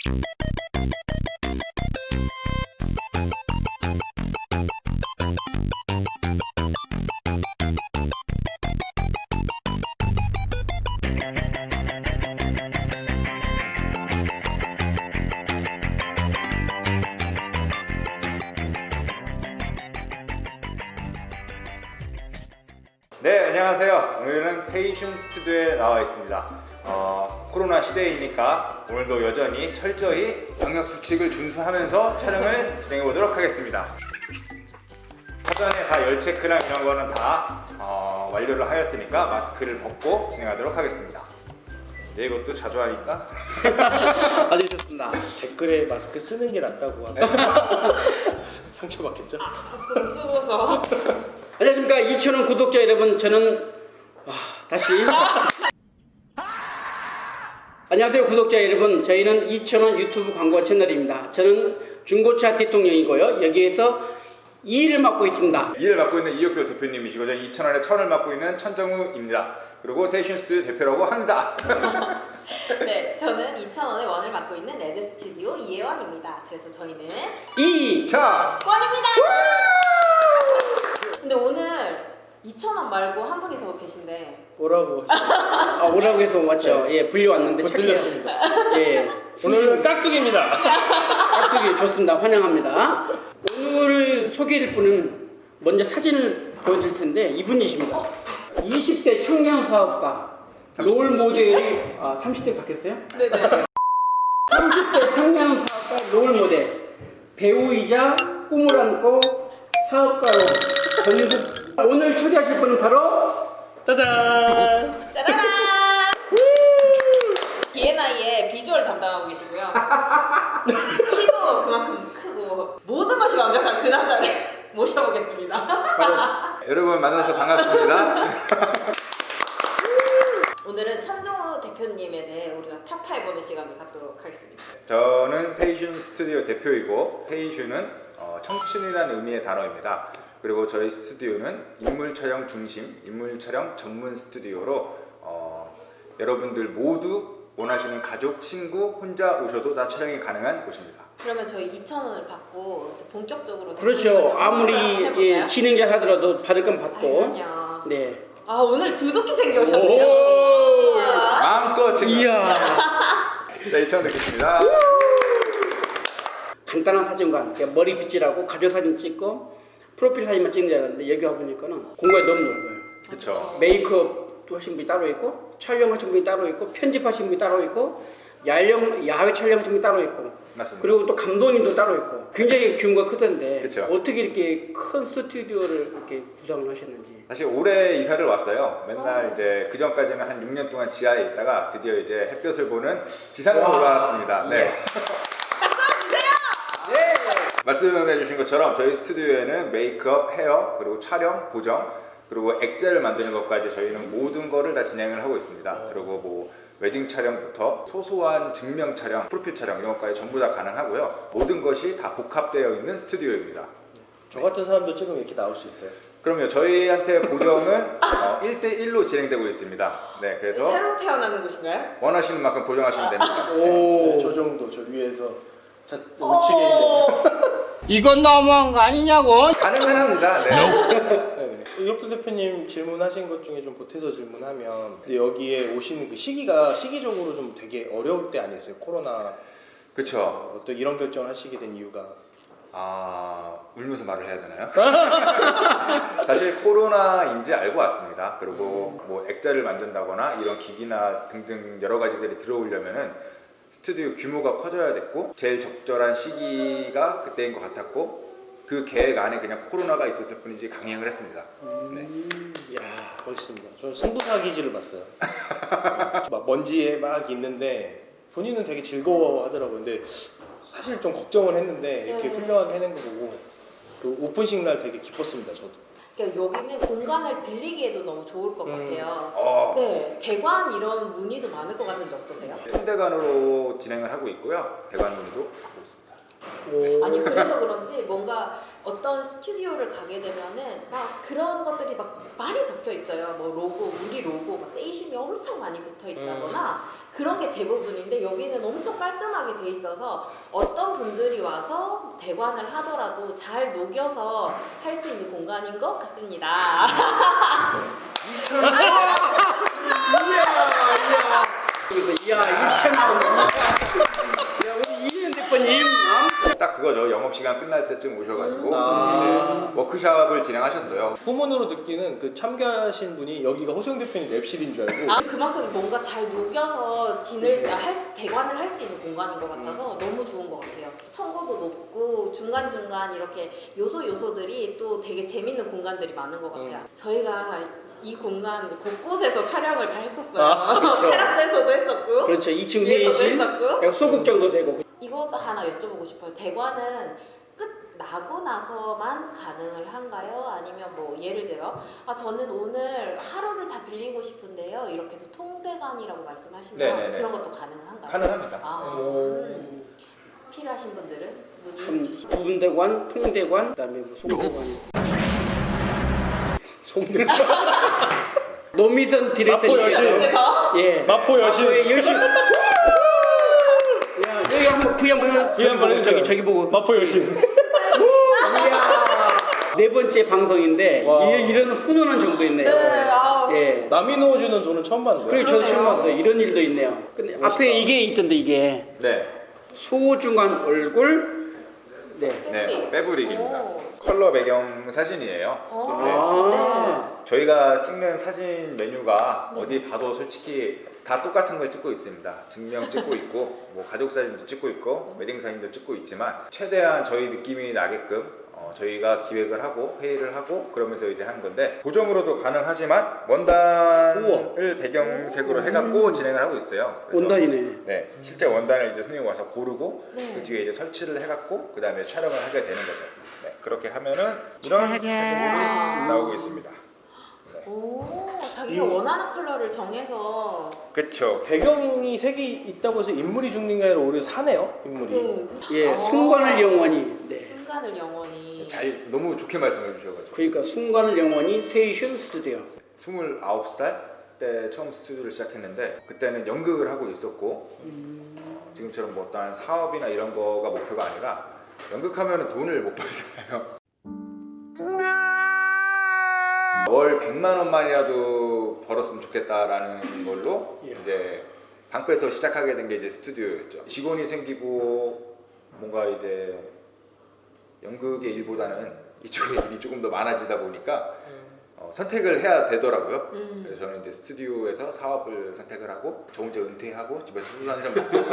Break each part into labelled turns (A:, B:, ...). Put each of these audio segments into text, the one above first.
A: 네, 안녕하세요. 오늘은 세이슌 스튜디오에 나와 있습니다. 코로나 시대이니까 오늘도 여전히 철저히 방역 수칙을 준수하면서 촬영을 진행해 보도록 하겠습니다. 사전에 다 열 체크랑 이런 거는 다 완료를 하였으니까 마스크를 벗고 진행하도록 하겠습니다. 네, 이것도 자주 하니까
B: 아주 좋습니다.
C: 댓글에 마스크 쓰는 게 낫다고 하면 상처받겠죠?
D: 쓰고서.
B: 안녕하십니까 2,000원 구독자 여러분, 저는 다시 안녕하세요 구독자 여러분, 저희는 2,000원 유튜브 광고 채널입니다. 저는 중고차 대통령이고요, 여기에서 2위를 맡고 있습니다.
A: 2위를 맡고 있는 이혁표 대표님이시고 저는 2,000원에 1,000원을 맡고 있는 천정우입니다. 그리고 세이슌 스튜디오 대표라고 합니다.
D: 네, 저는 2,000원의 원을 맡고 있는 레드 스튜디오 이혜원입니다. 그래서 저희는
B: 2위
A: 자,
D: 원입니다. 근데 오늘 2,000원 말고 한 분이 더 계신데.
C: 뭐라고 하시죠?
B: 오라고 해서 왔죠.
C: 네.
B: 예, 불려왔는데
C: 못 들렸습니다.
B: 예,
C: 오늘은 깍두기입니다.
B: 깍두기 좋습니다. 환영합니다. 오늘 소개할 분은 먼저 사진을 보여드릴 텐데 이분이십니다. 20대 청년 사업가 롤 모델이 30대 바뀌었어요?
D: 네네.
B: 30대 청년 사업가 롤 모델, 배우이자 꿈을 안고 사업가로 전국. 오늘 초대하실 분은 바로
C: 짜잔!
D: 짜라란! B&I의 비주얼 담당하고 계시고요. 키도 그만큼 크고 모든 것이 완벽한 그 남자를 모셔보겠습니다.
A: 여러분 만나서 반갑습니다.
D: 오늘은 천정우 대표님에 대해 우리가 탑5 보는 시간을 갖도록 하겠습니다.
A: 저는 세이슌 스튜디오 대표이고 세이슌은 청춘이라는 의미의 단어입니다. 그리고 저희 스튜디오는 인물 촬영 중심, 인물 촬영 전문 스튜디오로 여러분들 모두 원하시는 가족, 친구, 혼자 오셔도 다 촬영이 가능한 곳입니다.
D: 그러면 저희 2,000원을 받고 이제 본격적으로
B: 그렇죠. 아무리
D: 해볼까요?
B: 진행자 하더라도 받을 건 받고.
D: 그럼요.
B: 네.
D: 오늘 두둑히 챙겨오셨네요.
C: 오!
A: 마음껏 챙겨.
B: 이야.
A: 네, 2,000원 드리겠습니다.
B: 간단한 사진관, 그러니까 머리 빗질하고 가족 사진 찍고 프로필 사진만 찍는 줄 알았는데 여기 와보니까는 공간이 너무 넓어요.
A: 그렇죠.
B: 메이크업도 하신 분이 따로 있고, 촬영하신 분이 따로 있고, 편집하신 분이 따로 있고, 야외 촬영하신 분이 따로 있고,
A: 맞습니다.
B: 그리고 또 감독님도 따로 있고, 굉장히 규모가 크던데
A: 그쵸.
B: 어떻게 이렇게 큰 스튜디오를 이렇게 구성을 하셨는지.
A: 사실 올해 이사를 왔어요. 맨날 이제 그 전까지는 한 6년 동안 지하에 있다가 드디어 이제 햇볕을 보는 지상으로
B: 와.
A: 올라왔습니다. 네.
B: 네.
A: 말씀해 주신 것처럼 저희 스튜디오에는 메이크업, 헤어, 그리고 촬영, 보정, 그리고 액자를 만드는 것까지 저희는 모든 거를 다 진행을 하고 있습니다. 그리고 뭐 웨딩 촬영부터 소소한 증명 촬영, 프로필 촬영 이런 것까지 전부 다 가능하고요. 모든 것이 다 복합되어 있는 스튜디오입니다.
C: 저 같은 사람도 찍으면 이렇게 나올 수 있어요?
A: 그럼요. 저희한테 보정은 1대1로 진행되고 있습니다. 네, 그래서
D: 새로 태어나는 곳인가요?
A: 원하시는 만큼 보정하시면 됩니다.
B: 오.
C: 저 정도, 저 위에서 우측에 있는.
E: 이건 너무한 거 아니냐고.
A: 가능은 합니다. 네.
C: 네네. 이혁표 대표님 질문하신 것 중에 좀 보태서 질문하면, 근데 여기에 오시는 그 시기적으로 좀 되게 어려울 때 아니었어요? 코로나.
A: 그쵸.
C: 또 이런 결정을 하시게 된 이유가.
A: 울면서 말을 해야 되나요? 사실 코로나인지 알고 왔습니다. 그리고 뭐 액자를 만든다거나 이런 기기나 등등 여러 가지들이 들어오려면은 스튜디오 규모가 커져야 됐고 제일 적절한 시기가 그때인 것 같았고 그 계획 안에 그냥 코로나가 있었을 뿐이지 강행을 했습니다. 네.
C: 야, 멋있습니다. 저는 승부사 기질을 봤어요. 막 먼지에 막 있는데 본인은 되게 즐거워하더라고요. 근데 사실 좀 걱정을 했는데 이렇게 훌륭하게 해낸 거 보고 그 오픈식 날 되게 기뻤습니다. 저도.
D: 그러니까 여기는 공간을 빌리기에도 너무 좋을 것 같아요. 네, 대관 이런 문의도 많을 것 같은데 어떠세요?
A: 현대관으로 진행을 하고 있고요. 대관 문의도 하고 있습니다.
D: 아니 그래서 그런지 뭔가 어떤 스튜디오를 가게 되면은 막 그런 것들이 막 많이 적혀 있어요. 뭐 로고, 우리 로고, 막 세이슌이 엄청 많이 붙어 있다거나 그런 게 대부분인데 여기는 엄청 깔끔하게 돼 있어서 어떤 분들이 와서 대관을 하더라도 잘 녹여서 할 수 있는 공간인 것 같습니다.
B: 이야 2,000원. 야 우리 이현 대표님.
A: 딱 그거죠. 영업시간 끝날 때쯤 오셔가지고
C: 아.
A: 네, 워크숍을 진행하셨어요.
C: 후문으로 듣기는 그 참가하신 분이 여기가 호수영 대표님 랩실인 줄 알고
D: 아, 그만큼 뭔가 잘 녹여서 대관을 할 수 있는 공간인 것 같아서 너무 좋은 것 같아요. 청고도 높고 중간중간 이렇게 요소들이 또 되게 재밌는 공간들이 많은 것 같아요. 저희가 이 공간 곳곳에서 촬영을 다 했었어요.
C: 아,
B: 그렇죠.
D: 테라스에서도 했었고
B: 그렇죠. 2층
D: 위에서도
B: 회의실.
D: 했었고
B: 소극장도 되고.
D: 이것도 하나 여쭤보고 싶어요. 대관은 나고 나서만 가능을 한가요? 아니면 뭐 예를 들어 저는 오늘 하루를 다 빌리고 싶은데요. 이렇게도 통대관이라고 말씀하시면
A: 네네네.
D: 그런 것도 가능한가요?
A: 가능합니다.
D: 필요하신 분들은 문의
B: 참
D: 주시면
B: 부분대관, 통대관, 그다음에 뭐 송대관.
C: 송대관
B: 노미선 디렉터.
C: 마포 여신.
B: 예.
C: 마포 여신.
B: 마포의 여신. 야 여기 한번 구이 한번
C: 해주세요.
B: 저기 보고.
C: 마포 여신.
B: 이야. 네 번째 방송인데
C: 와.
B: 이런 훈훈한 정도 있네요. 예.
C: 남인호 주는 돈은 처음 봤는데.
B: 그리고 저도 처음
D: 그러네요.
B: 봤어요. 이런 일도 있네요. 근데 앞에 이게 있던데 이게
A: 네,
B: 소중한 얼굴. 네.
A: 네, 빼브릭입니다.
D: 오.
A: 컬러 배경 사진이에요.
B: 아.
A: 저희가 찍는 사진 메뉴가 어디 봐도 솔직히 다 똑같은 걸 찍고 있습니다. 증명 찍고 있고, 뭐 가족 사진도 찍고 있고, 웨딩 사진도 찍고 있지만 최대한 저희 느낌이 나게끔 저희가 기획을 하고 회의를 하고 그러면서 이제 하는 건데 고정으로도 가능하지만 원단을 배경색으로 해갖고 진행을 하고 있어요. 그래서
B: 원단이네.
A: 네, 실제 원단을 이제 손님이 와서 고르고
D: 네.
A: 그 뒤에 이제 설치를 해갖고 그 다음에 촬영을 하게 되는 거죠. 네, 그렇게 하면은 이런 사진들이 나오고 있습니다.
D: 오, 자기가 원하는 컬러를 정해서
A: 그렇죠.
C: 배경이 색이 있다고 해서 인물이 죽는 게 아니라 오히려 사네요. 인물이.
B: 예, 순간을 영원히. 네.
D: 순간을 영원히.
A: 잘 너무 좋게 말씀해 주셔가지고
B: 그러니까 순간을 영원히 세이슌 스튜디오.
A: 29살 때 처음 스튜디오를 시작했는데 그때는 연극을 하고 있었고 지금처럼 뭐 어떠한 사업이나 이런 거가 목표가 아니라 연극하면 돈을 못 벌잖아요. 월 100만 원만이라도 벌었으면 좋겠다라는 걸로 이제 방 빼서 시작하게 된 게 이제 스튜디오였죠. 직원이 생기고 뭔가 이제 연극의 일보다는 이쪽의 일이 조금 더 많아지다 보니까 선택을 해야 되더라고요. 그래서 저는 이제 스튜디오에서 사업을 선택을 하고 저 혼자 은퇴하고 집에서 소주 한잔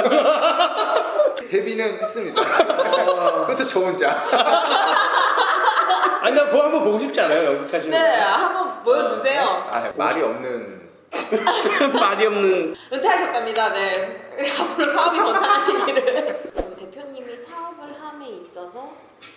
A: 먹고 데뷔는 했습니다. 그것도 저 혼자.
C: 아니 나 그거 한번 보고 싶지 않아요? 연극하시는
D: 네,
C: 거.
D: 한번 보여주세요.
A: 아, 말이 없는
B: 말이 없는.
D: 은퇴하셨답니다. 네. 앞으로 사업이 번창하시기를. 대표님이 사업을 함에 있어서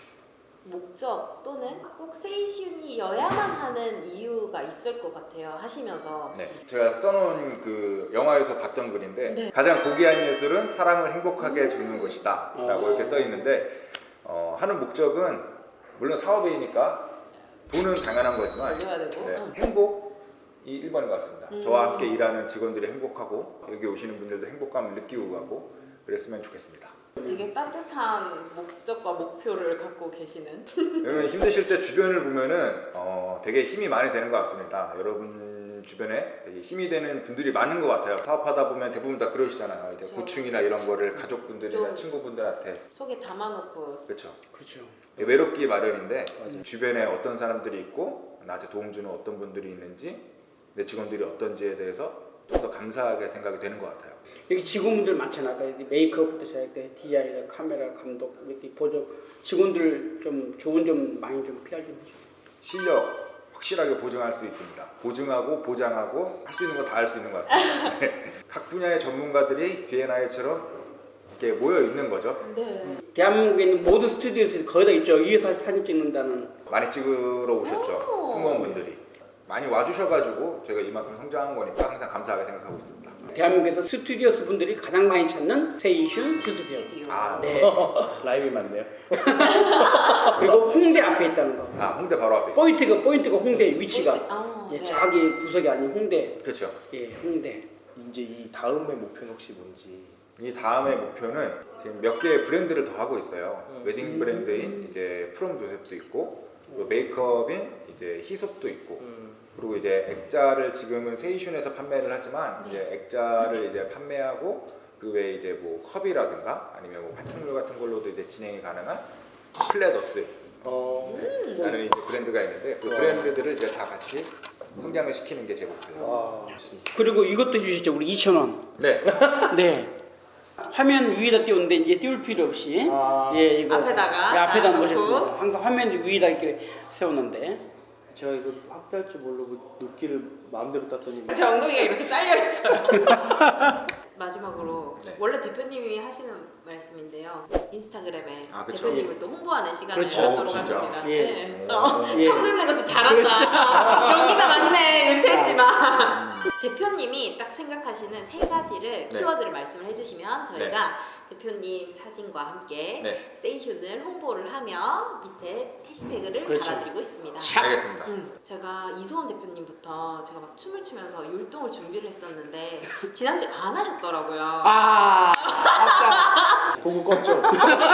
D: 목적 또는 꼭 세이슌이어야만 하는 이유가 있을 것 같아요. 하시면서.
A: 네, 제가 써놓은 그 영화에서 봤던 글인데
D: 네.
A: 가장 고귀한 예술은 사람을 행복하게 해주는 것이다 라고 이렇게 써 있는데 하는 목적은 물론 사업이니까 돈은 당연한 거지만
D: 올려야 되고.
A: 네, 행복이 1번인 것 같습니다. 저와 함께 일하는 직원들이 행복하고 여기 오시는 분들도 행복감을 느끼고 가고 그랬으면 좋겠습니다.
D: 되게 따뜻한 목적과 목표를 갖고 계시는.
A: 여러분 힘드실 때 주변을 보면은 되게 힘이 많이 되는 것 같습니다. 여러분 주변에 되게 힘이 되는 분들이 많은 것 같아요. 사업하다 보면 대부분 다 그러시잖아요. 이제
D: 그렇죠.
A: 고충이나 이런 거를 가족분들이나
D: 좀
A: 친구분들한테
D: 속에 담아놓고.
A: 그렇죠.
B: 그렇죠.
A: 외롭기 마련인데
C: 맞아요.
A: 주변에 어떤 사람들이 있고 나한테 도움 주는 어떤 분들이 있는지 내 직원들이 어떤지에 대해서 좀 더 감사하게 생각이 되는 것 같아요.
B: 여기 직원분들 많잖아. 그러니까 메이크업부터 시작해 디자이너, 카메라 감독 이렇게 보조 직원들 좀 좋은 점 많이 좀 PR 좀 해줘.
A: 실력 확실하게 보증할 수 있습니다. 보증하고 보장하고 할 수 있는 거 다 할 수 있는 것 같습니다. 네. 각 분야의 전문가들이 B&I처럼 이렇게 모여 있는 거죠.
D: 네.
B: 대한민국에 있는 모든 스튜디오에서 거의 다 있죠. 위에서 사진 찍는다는.
A: 많이 찍으러 오셨죠.
D: 오.
A: 승무원분들이 많이 와주셔가지고 저희가 이만큼 성장한 거니까 항상 감사하게 생각하고 있습니다.
B: 대한민국에서 스튜디오스 분들이 가장 많이 찾는 세이슌 스튜디오.
D: 스튜디오.
A: 아,
B: 네.
C: 라임이 많네요.
B: 그리고 홍대 앞에 있다는 거.
A: 아 홍대 바로 앞에 있어요.
B: 포인트가 홍대 위치가. 예,
D: 네.
B: 자기 구석이 아닌 홍대.
A: 그렇죠.
B: 예, 홍대.
C: 이제 이 다음의 목표는 혹시 뭔지.
A: 이 다음의 목표는 지금 몇 개의 브랜드를 더 하고 있어요. 웨딩 브랜드인 이제 프롬 조셉도 있고, 또 메이크업인 이제 히솝도 있고, 그리고 이제 액자를 지금은 세이슌에서 판매를 하지만 이제 액자를 이제 판매하고 그 외에 이제 뭐 컵이라든가 아니면 뭐 파충류 같은 걸로도 이제 진행이 가능한 플레더스 라는 이제 브랜드가 있는데 그 브랜드들을 이제 다 같이 성장을 시키는 게 제 목표예요.
C: 와, 좋습니다.
B: 그리고 이것도 해주셨죠. 우리 2,000원.
A: 네.
B: 네. 화면 위에다 띄우는데 이제 띄울 필요 없이 예 이거
D: 앞에다가
B: 예, 앞에다
D: 딱
B: 놓으셨습니다.
D: 놓고.
B: 항상 화면 위에다 이렇게 세우는데
C: 제가 이거 확대할 줄 모르고 눕기를 마음대로 땄더니
D: 제 엉덩이가 이렇게 잘려 있어요. 마지막으로
A: 네.
D: 원래 대표님이 하시는 말씀인데요. 인스타그램에
A: 아, 그쵸.
D: 대표님을 또 홍보하는 시간을
B: 그렇죠.
D: 갖도록
A: 진짜.
D: 합니다.
B: 예.
D: 네.
B: 예.
D: 형 듣는 것도 잘한다. 여기가 맞네. 은퇴했지만 대표님이 딱 생각하시는 세 가지를
A: 네.
D: 키워드를 말씀을 해주시면 저희가 대표님 사진과 함께
A: 네.
D: 세이슌을 홍보를 하며 밑에 해시태그를
B: 그렇죠.
D: 달아드리고 있습니다.
B: 샵.
A: 알겠습니다.
D: 제가 이소원 대표님부터 제가 막 춤을 추면서 율동을 준비를 했었는데 지난주에 안 하셨더라고요.
B: 아 맞다.
C: 보고 껐죠.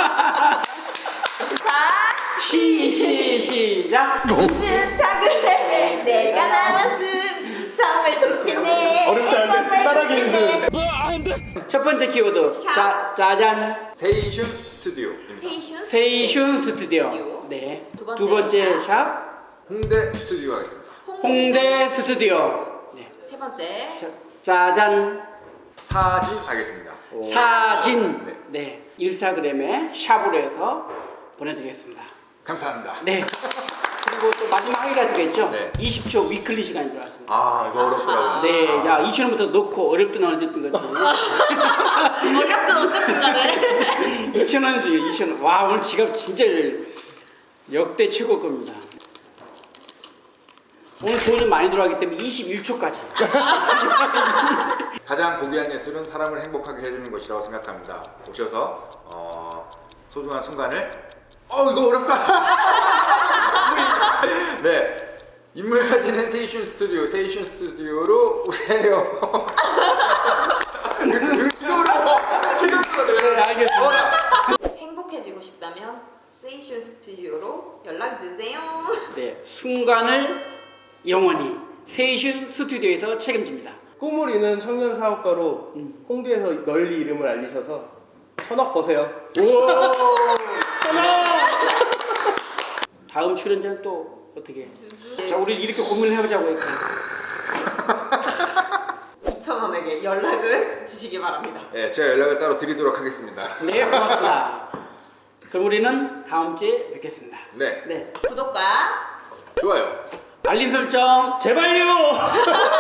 B: 시작.
D: 인스타그램에 내가 나왔음 정말 좋겠네.
C: 어렵지 않은데 따라하기 힘든.
B: 첫 번째 키워드 짜잔
A: 세이슌 스튜디오입니다.
B: 세이슌 스튜디오. 네.
D: 두
B: 두 번째 샵
A: 홍대 스튜디오 하겠습니다.
B: 홍대 스튜디오. 네.
D: 세 번째
B: 짜잔
A: 사진 하겠습니다.
B: 사진.
A: 네.
B: 네. 인스타그램에 샵으로 해서 보내드리겠습니다.
A: 감사합니다.
B: 네. 그리고 또 마지막 하이라이트가 있죠.
A: 네.
B: 20초 위클리 시간이 들어왔습니다.
A: 아 이거 어렵더라고요.
B: 네,
A: 아.
B: 야 2,000원부터 넣고 어렵든 어렵든 것도
D: 어렵든 어쨌든 간에
B: 2,000원 중에 2,000원. 와 오늘 지갑 진짜 역대 최고 겁니다. 오늘 돈이 많이 들어가기 때문에 21초까지.
A: 가장 고귀한 예술은 사람을 행복하게 해주는 것이라고 생각합니다. 오셔서 소중한 순간을 이거 어렵다. 네, 인물 사진은 세이슌 스튜디오로 오세요.
B: 네, 알겠습니다.
D: 행복해지고 싶다면 세이슌 스튜디오로 연락 주세요.
B: 네, 순간을 영원히 세이슌 스튜디오에서 책임집니다.
C: 꿈을 이는 청년 사업가로 홍대에서 널리 이름을 알리셔서 천억 버세요.
B: 다음 출연자는 또 어떻게? 자, 우리 이렇게 고민을 해보자고 했죠.
D: 2,000원에게 연락을 주시기 바랍니다.
A: 네, 제가 연락을 따로 드리도록 하겠습니다.
B: 네, 고맙습니다. 그럼 우리는 다음 주에 뵙겠습니다.
A: 네,
B: 네,
D: 구독과
A: 좋아요.
B: 알림 설정.
C: 제발요.